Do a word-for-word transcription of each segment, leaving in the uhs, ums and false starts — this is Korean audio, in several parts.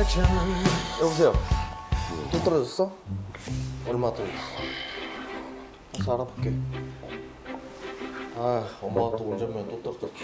여보세요. 또 떨어졌어? 얼마 떨어졌어? 가서 알아볼게. 아, 엄마가 또 운전면 또 떨어졌어.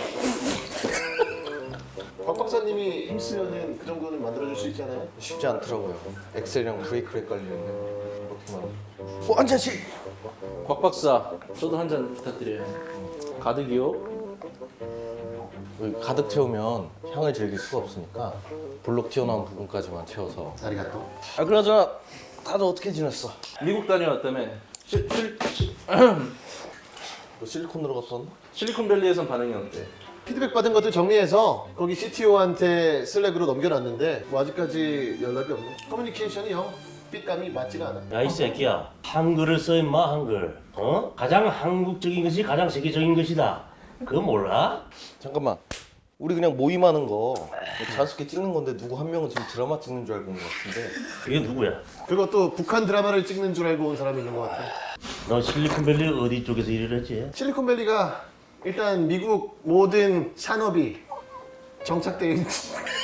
곽 박사님이 힘쓰면은 그 정도는 만들어줄 수 있잖아요. 쉽지 않더라고요. 엑셀이랑 브레이크를 헷갈리는데 그렇구만. 어, 한 잔씩. 곽 박사, 저도 한 잔 부탁드려요. 가득이요? 여기 가득 채우면 향을 즐길 수가 없으니까 블록 튀어나온 부분까지만 채워서. 아리가또. 아, 그나저나 다들 어떻게 지냈어? 미국 다녀왔다며. 실, 실, 실, 너 실리콘으로 갔다 왔나? 실리콘밸리에선 반응이 어때? 피드백 받은 것들 정리해서 거기 씨티오한테 슬랙으로 넘겨놨는데 뭐 아직까지 연락이 없네. 커뮤니케이션이 영 삐감이 맞지가 않아. 야 이 새끼야, 한글을 써 임마. 한글. 어? 가장 한국적인 것이 가장 세계적인 것이다. 그거 몰라? 잠깐만. 우리 그냥 모임하는 거 자연스럽게 찍는 건데 누구 한 명은 지금 드라마 찍는 줄 알고 온 것 같은데. 그게 누구야? 그것도 북한 드라마를 찍는 줄 알고 온 사람이 있는 것 같아. 너 실리콘밸리 어디 쪽에서 일을 했지? 실리콘밸리가 일단 미국 모든 산업이 정착되어 있는.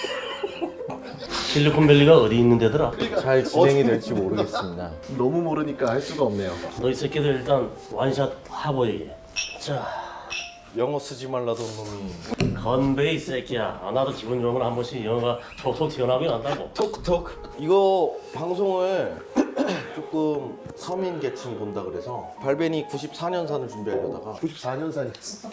실리콘밸리가 어디 있는 데더라? 잘 진행이 될지 모르겠습니다. 너무 모르니까 할 수가 없네요. 너 이 새끼들 일단 원샷 하보이. 자, 영어 쓰지 말라던 놈이. 건배 이 새끼야. 아, 나도 기분 좋은 건 한 번씩 영어가 톡톡 튀어나오긴 한다고. 톡톡. 이거 방송을 조금 서민 계층이 본다 그래서 발벤이 구십사 년산을 준비하려다가. 구십사 년산이었어.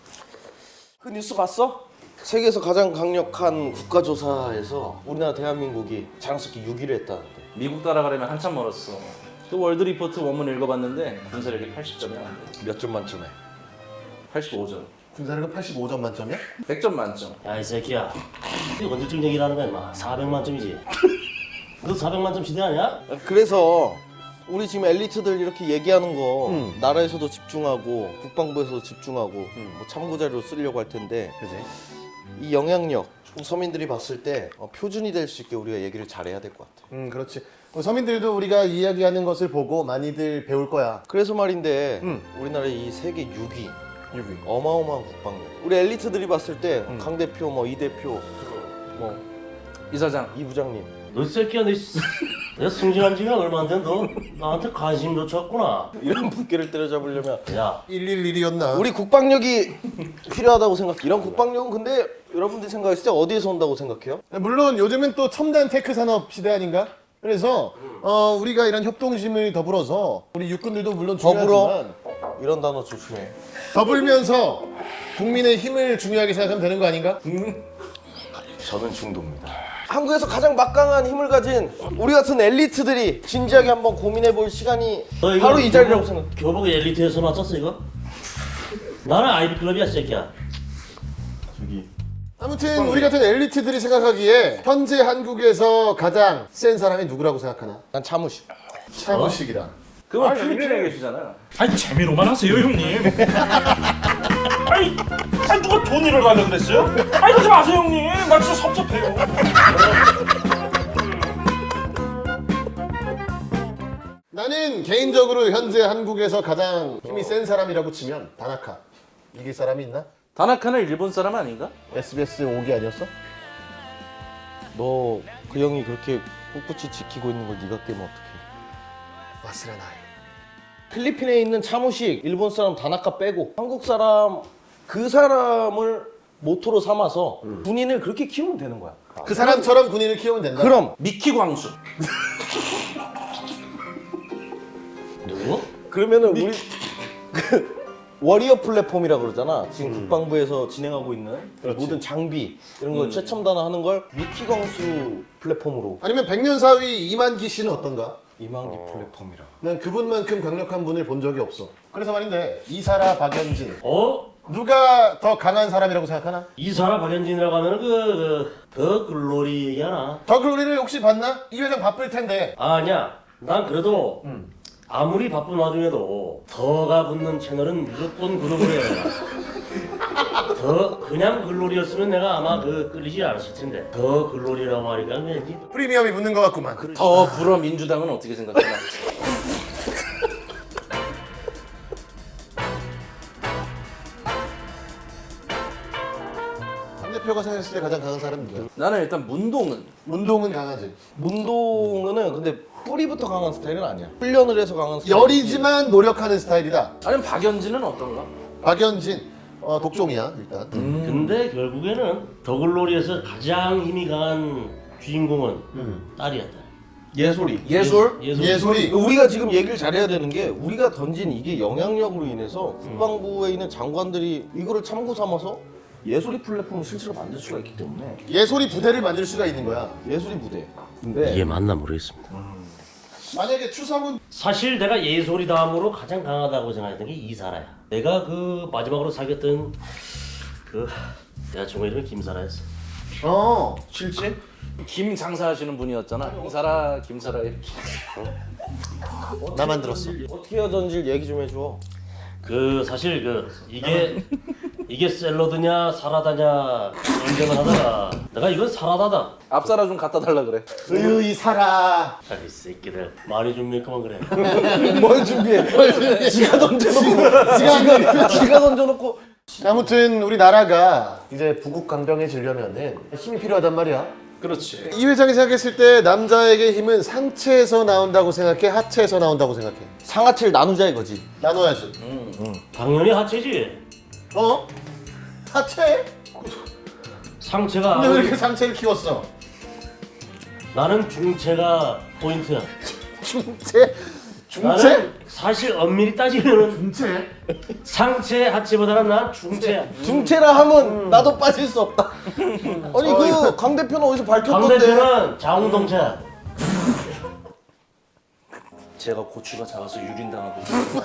그 뉴스 봤어? 세계에서 가장 강력한 국가조사에서 우리나라 대한민국이 자랑스럽게 육 위를 했다는데. 미국 따라가려면 한참 멀었어. 그 월드 리포트 원문 읽어봤는데 군사력이 팔십 점이 안 돼. 몇 점 만점에? 팔십오 점. 군사력은 팔십오 점 만점이야? 백 점 만점. 야 이 새끼야, 이거 언제쯤 얘기를 하는 거야 임마. 사백만 점이지. 너 사백만 점 시대 아니야? 그래서 우리 지금 엘리트들 이렇게 얘기하는 거 음. 나라에서도 집중하고 국방부에서도 집중하고 뭐 참고 자료 쓰려고 할 텐데 그지? 이 영향력 서민들이 봤을 때 어, 표준이 될 수 있게 우리가 얘기를 잘해야 될 것 같아. 음 그렇지. 뭐 서민들도 우리가 이야기하는 것을 보고 많이들 배울 거야. 그래서 말인데 음. 우리나라 이 세계 육 위 육 위. 어마어마한 국방력. 우리 엘리트들이 봤을 때 강 대표, 뭐 이 대표, 뭐 이사장. 이 부장님. 너 이 새끼야, 너 씨. 내가 승진한 지가 얼마 안 된 너 나한테 관심조차 없구나. 이런 분께를 때려잡으려면 야, 일일일이었나? 우리 국방력이 필요하다고 생각. 이런 국방력은 근데 여러분들이 생각했을 때 어디에서 온다고 생각해요? 물론 요즘은 또 첨단 테크 산업 시대 아닌가? 그래서 어, 우리가 이런 협동심을 더불어서 우리 육군들도 물론 더불어 중요하지만 이런 단어 조심해. 더불면서 국민의 힘을 중요하게 생각하면 되는 거 아닌가? 저는 중도입니다. 한국에서 가장 막강한 힘을 가진 우리 같은 엘리트들이 진지하게 한번 고민해 볼 시간이 너 이거 바로 이 자리라고 교복- 생각. 교복 엘리트에서 맞췄어 이거? 나는 아이비 클럽이야 새끼야. 저기 아무튼 우리 같은 엘리트들이 생각하기에 현재 한국에서 가장 센 사람이 누구라고 생각하나? 난 차무식. 차무식이다. 그건 필리핀에 계시잖아. 아니 재미로만 하세요 형님. 아니, 아니 누가 돈이를 가려 그랬어요? 아니 그러지 마세요 형님. 나 진짜 섭섭해요. 나는 개인적으로 현재 한국에서 가장 힘이 센 사람이라고 치면 다나카. 이길 사람이 있나? 다나카는 일본 사람 아닌가? 에스비에스 오 기 아니었어? 너 그 형이 그렇게 꿋꿋이 지키고 있는 걸 네가 깨면 어떡해? 와스라나이. 필리핀에 있는 차무식, 일본 사람 다나카 빼고 한국 사람 그 사람을 모토로 삼아서 군인을 그렇게 키우면 되는 거야. 그 사람처럼 군인을 키우면 된다. 그럼 미키 광수. 누구? 그러면은 우리 그 워리어 플랫폼이라 그러잖아. 지금 국방부에서 진행하고 있는 모든 장비 이런 걸 최첨단화하는 걸 미키 광수 플랫폼으로. 아니면 백년사위 이만기 씨는 어떤가? 이만기 플랫폼이라. 난 그분만큼 강력한 분을 본 적이 없어. 그래서 말인데 이사라 박연진 어? 누가 더 강한 사람이라고 생각하나? 이사라 박연진이라고 하면 그더 글로리 얘기하나? 더 글로리를 혹시 봤나? 이 회장 바쁠 텐데. 아니야. 난 그래도 아무리 바쁜 와중에도 더가 붙는 채널은 무조건 구독을 해야 돼. 더 그냥 글로리였으면 내가 아마 그 끌리지 않았을 텐데 더 글로리라고 하니까 왠지 프리미엄이 붙는 것 같구만. 더 불어 민주당은 어떻게 생각하나? 대표가 생각했을 때 가장 강한 사람은 누구야? 나는 일단 문동은 운동은 강하지. 문동은 근데 뿌리부터 강한 스타일은 아니야. 훈련을 해서 강한 스타일. 열이지만 노력하는 스타일이다. 아니면 박연진은 어떤가? 박연진 어, 독종이야 일단. 근데 결국에는 더글로리에서 가장 힘이 강한 주인공은 딸이야 딸. 예솔이. 예솔? 예솔. 예솔이. 우리가 지금 얘기를 잘해야 되는 게 우리가 던진 이게 영향력으로 인해서 국방부에 있는 장관들이 이거를 참고 삼아서 예솔이 플랫폼을 실제로 만들 수가 있기 때문에 예솔이 부대를 만들 수가 있는 거야. 예솔이 부대. 근데 이게 맞나 모르겠습니다. 만약에 추성훈 사실 내가 예솔이 다음으로 가장 강하다고 생각했던 게 이사라야. 내가 그 마지막으로 사귀었던 그 여자친구 이름이 김사라였어. 어 실제 김 장사하시는 분이었잖아. 김사라, 김사라 이렇게. 나만 들었어. 어떻게 해야 던질 얘기 좀 해줘. 그 사실 그 이게 이게 샐러드냐 사라다냐 연전을 하다가 내가 이건 사라다다. 앞사라 좀 갖다 달라 그래. 의의 살아. 아, 이 새끼들 말이 좀 밀크만 그래. 뭘 준비해? 지가 던져놓고 지가 지가 던져놓고 아무튼 우리 나라가 이제 부국 강병해지려면은 힘이 필요하단 말이야. 그렇지. 이 회장이 생각했을 때 남자에게 힘은 상체에서 나온다고 생각해, 하체에서 나온다고 생각해. 상하체를 나누자 이거지. 나눠야지. 당연히 하체지. 어? 하체? 상체가 근데 왜 아무리- 이렇게 상체를 키웠어? 나는 중체가 포인트야. 중체? 중체? 나는 사실 엄밀히 따지면은 중체? 상체 하체보다는 난 중체야. 중체라 하면 나도 빠질 수 없다. 아니 그 강 대표는 어디서 밝혔던데? 강대표는 자웅동체야. 제가 고추가 작아서 유린당하고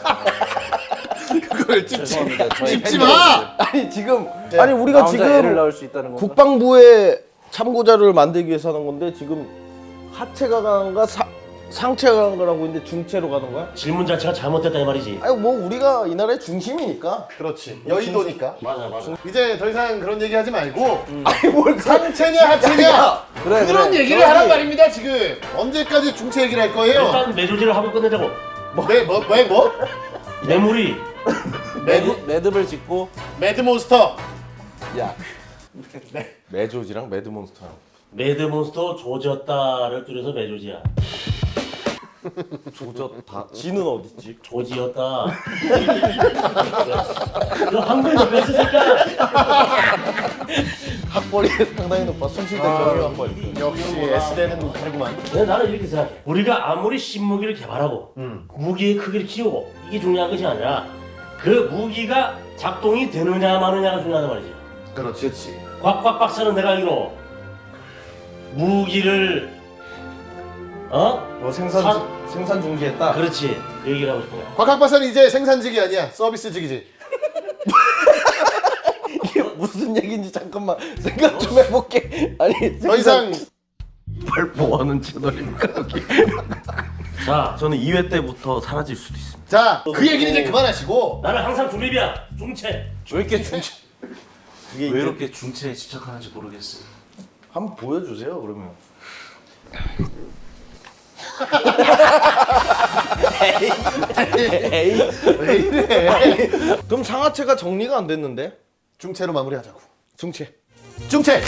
그걸 찝지, 죄송합니다. 저희 찝지 팬들. 마! 아니 지금 네. 아니 우리가 나 혼자 애를 지금 낳을 수 있다는 건가? 국방부에 참고 자료를 만들기 위해서 하는 건데 지금 하체가 강한가 사, 상체가 강한 거라고 있는데 중체로 가는 거야? 질문 자체가 잘못됐다 이 말이지. 아니 뭐 우리가 이 나라의 중심이니까. 그렇지. 여의도니까. 맞아 맞아. 이제 더 이상 그런 얘기 하지 말고 아니 뭘 상체냐 하체냐 그래, 그런 그래. 얘기를 하란 말입니다 지금. 언제까지 중체 얘기를 할 거예요? 일단 매조지를 하고 끝내자고. 네, 뭐, 왜 뭐? 매물이 매드, 매듭을 짓고 매드몬스터. 야 매조지랑 매드몬스터랑 매드몬스터 조졌다를 줄여서 매조지야. 조졌다. 지는 어딨지? 조지였다. 너 한글 몇 새끼야? 학벌이 상당히 높아. 숨쉴 때 경유 학벌. 역시 S대는 다르구만. 근데 나는 이렇게 생각해. 우리가 아무리 신무기를 개발하고 무기의 크기를 키우고 이게 중요한 것이 아니라 그 무기가 작동이 되느냐 마느냐가 중요하단 말이지. 그렇지. 그렇지. 꽉꽉 박사는 내가 알기로 무기를 어? 뭐 생산 사- 생산 중지했다. 그렇지. 그 얘기를 하고 싶어요. 곽학 박사는 이제 생산직이 아니야. 서비스직이지. 이게 무슨 얘기인지 잠깐만 생각 좀 해볼게. 아니 더 이상 뭘 뭐하는 채널입니까 여기? 자, 저는 이 회 때부터 사라질 수도 있습니다. 자, 그 얘기는 이제 그만하시고 나는 항상 중립이야. 중체. 왜 이렇게 중체 그게 왜 이제 이렇게 중체에 집착하는지 모르겠어요. 한번 보여주세요 그러면. 에이 왜 이래? 그럼 상하체가 정리가 안 됐는데? 중체로 마무리하자고. 중체. 중체.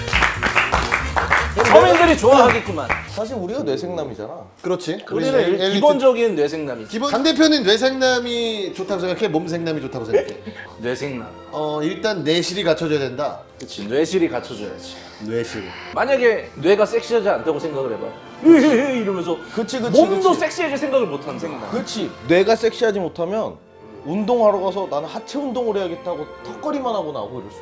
서민들이 좋아하겠구만. 사실 우리가 뇌생남이잖아. 그렇지. 우리는 엘리트. 일- 기본적인 뇌생남이지. 기본 강 대표는 뇌생남이 좋다고 생각해. 몸생남이 좋다고 생각해. 뇌생남. 어 일단 내실이 갖춰져야 된다. 그치. 뇌실이 갖춰줘야지. 뇌실. 만약에 뇌가 섹시하지 않다고 생각을 해봐. 으헤헤 이러면서 그치 그치 몸도 그치. 섹시해질 생각을 못하는 생남. 그렇지. 뇌가 섹시하지 못하면 운동하러 가서 나는 하체 운동을 해야겠다고 턱걸이만 하고 나오고 이럴 수가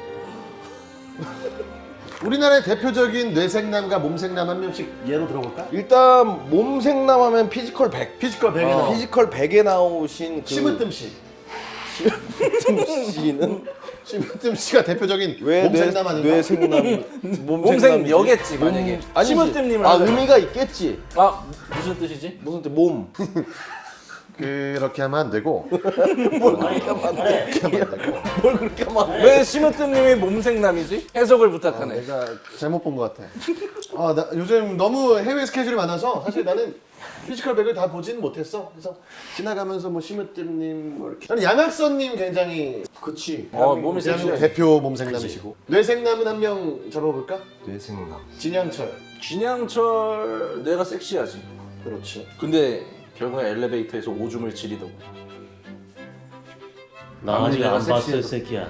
있어. 우리나라의 대표적인 뇌생남과 몸생남 한 명씩 예로 들어볼까? 일단 몸생남 하면 피지컬 백. 피지컬 백에 어, 나와. 피지컬 백에 나오신 그 심으뜸 씨. 심으뜸 씨는 심으뜸 씨가 대표적인 왜 몸생남 아닌가? 뇌생남 몸생 여겠지 만약에. 아니지. 심으뜸님을 아 하잖아. 의미가 있겠지. 아 무슨 뜻이지? 무슨 뜻? 몸. 그렇게 하면 안 되고 아니, 아니, 그렇게 하면 안 되고 뭘 그렇게 막 왜 심으뜸님이 몸생남이지? 해석을 아, 부탁하네. 내가 잘못 본 것 같아. 아, 나 요즘 너무 해외 스케줄이 많아서 사실 나는 피지컬 백을 다 보진 못했어. 그래서 지나가면서 뭐 심으뜸님 뭐 이렇게 나는 양학선님 굉장히 그치. 어 몸이 대한민국 섹시해. 대표 몸생남이시고 뇌생남은 한 명 잡아볼까? 뇌생남. 진양철. 진양철 내가 섹시하지. 그렇지. 근데 결국에 엘리베이터에서 오줌을 지리더고. 나 아무리 아직 내가 안 봤어, 섹시해도. 이 새끼야.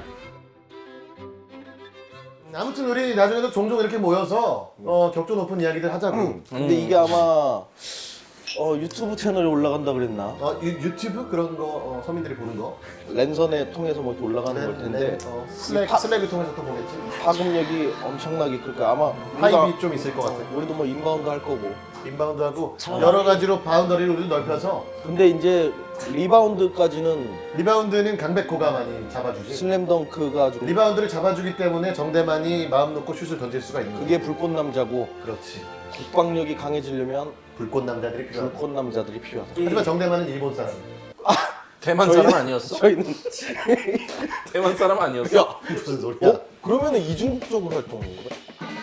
아무튼 우리 나중에도 종종 이렇게 모여서 어, 격조 높은 이야기들 하자고. 근데 이게 아마 어, 유튜브 채널에 올라간다 그랬나? 어, 유, 유튜브 그런 거 어, 서민들이 보는 거. 랜선에 통해서 뭐 이렇게 올라가는 걸 텐데 어, 슬랙 파- 슬랙을 통해서 또 보겠지. 파급력이 엄청나게 클까 아마 우리가 하이비 좀 있을 것 같아. 우리도 뭐 인바운드 할 거고. 인바운드하고 여러 가지로 바운더리를 우리도 넓혀서 근데 이제 리바운드까지는 리바운드는 강백호가 많이 잡아주지. 슬램덩크가 좀 리바운드를 잡아주기 때문에 정대만이 마음 놓고 슛을 던질 수가 있는 그게 거야. 불꽃 남자고 그렇지. 국방력이 강해지려면 불꽃 남자들이 필요하다. 불꽃 남자들이 필요하다. 하지만 정대만은 일본 사람. 대만 사람 아니었어? 저희는 대만 사람 아니었어? 야, 무슨 소리야? 어? 그러면은 이중국적으로 활동하는 거야?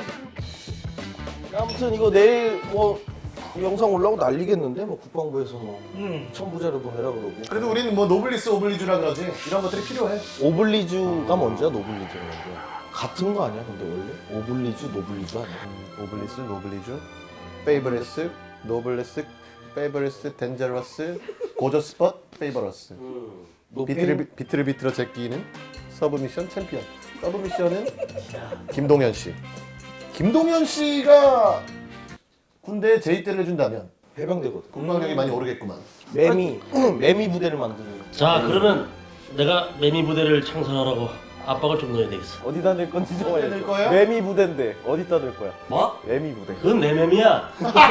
아무튼 이거 내일 뭐 영상 올라오고 난리겠는데 뭐 국방부에서 뭐 첨부자료 보내라 그러고. 그래도 우리는 뭐 노블리스 오블리주라 그러지. 이런 것들이 필요해. 오블리주가 뭔지야? 노블리주가 뭔지야? 같은 거 아니야? 근데 원래 오블리주 노블리주 아니야? 오블리스, 노블리주, 페이버레스, 노블레스, 페이버레스, 덴저러스, 고저스폿, 페이버러스. 비트를 비- 비트를 비틀어 제끼는 서브미션 챔피언. 서브미션은 김동현 씨. 김동현 씨가 군대에 제의대를 해준다면 해병대거든. 국방력이 많이 오르겠구만. 매미 매미 부대를 만드는. 자, 그러면 내가 매미 부대를 창설하라고 압박을 좀 넣어야 되겠어. 어디다 낼 건지 좀 어디다 낼 거야? 매미 부대인데 어디다 낼 거야? 뭐? 매미 부대. 그건 내 맴이야.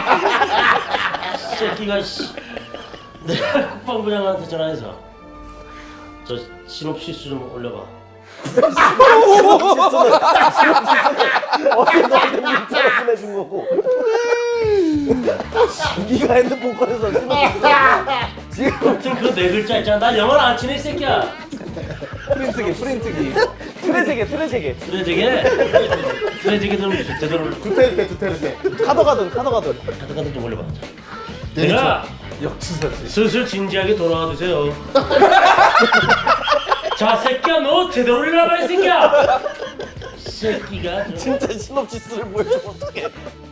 새끼가 씨. 내가 국방부장한테 전화해서 저 시놉시스 좀 올려봐. 어제 너한테 문자로 보내준 거고. 네가 핸드폰 꺼내서 신호 지금 아무튼 그 네 글자 있잖아. 나 영어를 안 치네 이 새끼야. 프린트기 프린트기 트레제게 트레제게 트레제게 트레제게 좀 제대로 두테르테 두테르테. 카더가든 카더가든. 가득가득 좀 올려봐. 네, 내가 역지사지. 슬슬 진지하게 돌아와 주세요. 자, 새끼야 너 제대로 올려라 이 새끼야. 새끼가 저... 진짜 시놉시스를 보여주면 어떡해.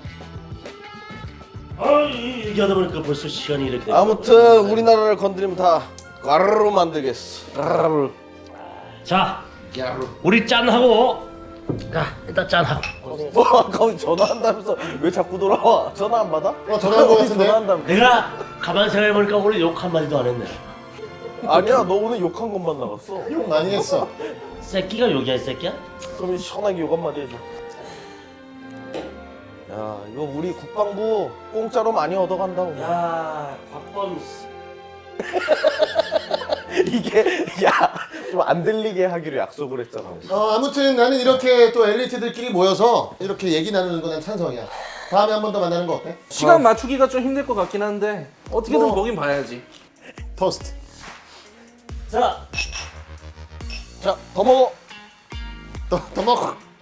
아, 이- 얘기하다 보니까 벌써 시간이 이렇게 됐네. 아무튼 우리나라를 건드리면 다 까르르 만들겠어. 까르르. 자, 우리 짠하고 자, 일단 짠하고 뭐 아까 전화한다면서 왜 자꾸 돌아와? 전화 안 받아? 어, 전화한 거 어디 같은데? 전화한다며. 내가 가만 생각해보니까 오늘 욕 한마디도 안 했네. 아니야 너 오늘 욕 한 것만 나갔어. 욕 많이 했어. 새끼가 욕이야 이 새끼야? 그럼 시원하게 욕 한마디 해줘. 야 이거 우리 국방부 공짜로 많이 얻어간다고. 야, 곽범 이게 야 좀 안 들리게 하기로 약속을 했잖아. 어, 아무튼 나는 이렇게 또 엘리트들끼리 모여서 이렇게 얘기 나누는 건 난 찬성이야. 다음에 한 번 더 만나는 거 어때? 시간 맞추기가 좀 힘들 것 같긴 한데 어떻게든 뭐. 보긴 봐야지. 토스트. 자, 자 더 먹어. 더, 더 먹어.